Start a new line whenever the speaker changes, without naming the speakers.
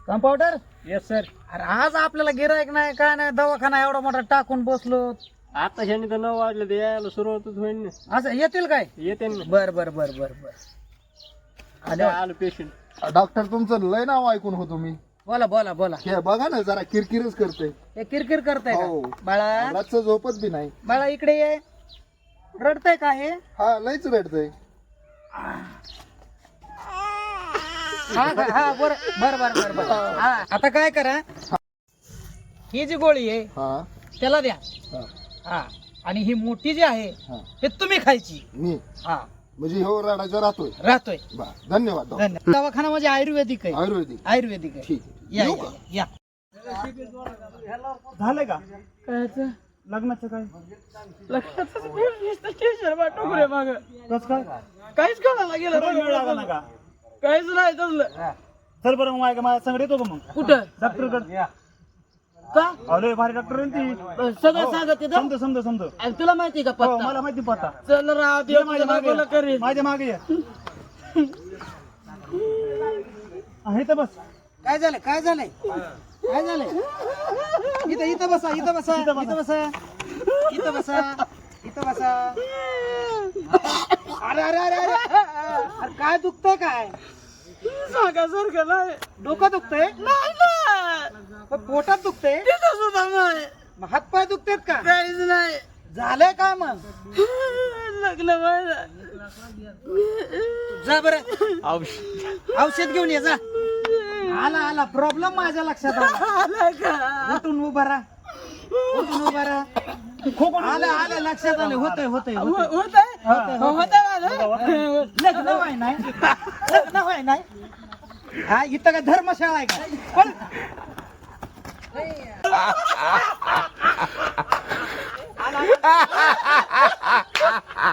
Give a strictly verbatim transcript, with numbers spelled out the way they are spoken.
Compounder
yes sir.
अरे आज आपल्याला गिरायक नाही काय नाही दवाखाना एवढा मोठा टाकून बसलो
आता ह्यांनी तर नऊ वाजले ते यायला सुरुवातच होईल ना.
असं येतील काय
येते ना.
बर बर बर बर बर
आता आलो पेशंट.
डॉक्टर तुमचं लय नाव ऐकून होतो मी.
बोला बोला बोला
हे बघा ना जरा किरकिरच करते.
हे किरकिर करताय
हो.
का बाळा
रातचं झोपत बी नाही.
बाळा इकडे ये रडतय का हे
हा लयच रडतय.
हा का? हा बर बर बर बर बर हा आता काय करा ही जी गोळी आहे
हा
त्याला द्या
हा
हा आणि ही मोठी जी आहे
हा
हे तुम्ही खायची
मी
हा
म्हणजे हो रडायचा राहतोय.
राहतोय
बा धन्यवाद डॉक्टर.
धन्यवाद दवाखाना म्हणजे आयुर्वेदिक आहे
आयुर्वेदिक
आयुर्वेदिक आहे
ठीक आहे.
या
येऊ
या,
का?
या
झालंय का
काय
लग्नाचं काय?
माग
कस काय?
काहीच कळायला
वेळ लागला ना
गेलं
का?
काहीच नाही तसलं
चल बरं मग माझ्या माझ्या संगड येतो का मग
कुठं
डॉक्टर कडे.
का
अरे भारी डॉक्टर आहे ती.
सगळं सांगत येतं
समज समज समज.
आणि तुला माहिती का
हो
पत्ता
मला माहिती पत्ता.
चल राव
ये
देव
माझ्या
तुझ्या
मागे
बायकोला
ये.
करील
माझ्या मागे ये. आहे तर बस.
काय झालं काय झालंय काय झालंय इथं इथं बसा इथं बसा
इथं
इथं
बसा.
बसा इथं बसा इथं बसा अरे अरे अरे अरे अरे काय दुखतंय काय
सांगासारखं नाही
डोकं दुखतंय
नाही ना
पण पोटात दुखतंय
तिथं सुद्धा नाही
मग हातपाय दुखतेत का
काहीच नाही
झालंय काय मग
लग्न व्हायला
जा बरं औषध घेऊन ये जा आला आला प्रॉब्लेम माझ्या लक्षात आला
आला का
उठून उभा राहा उठून उभा राहा आलं आलं लक्षात आलं होतंय होतंय होतंय.
होत आहे होत आहे
लग्न व्हाय नाही लग्न व्हाय नाही हा इथं काय धर्मशाळा आहे का पण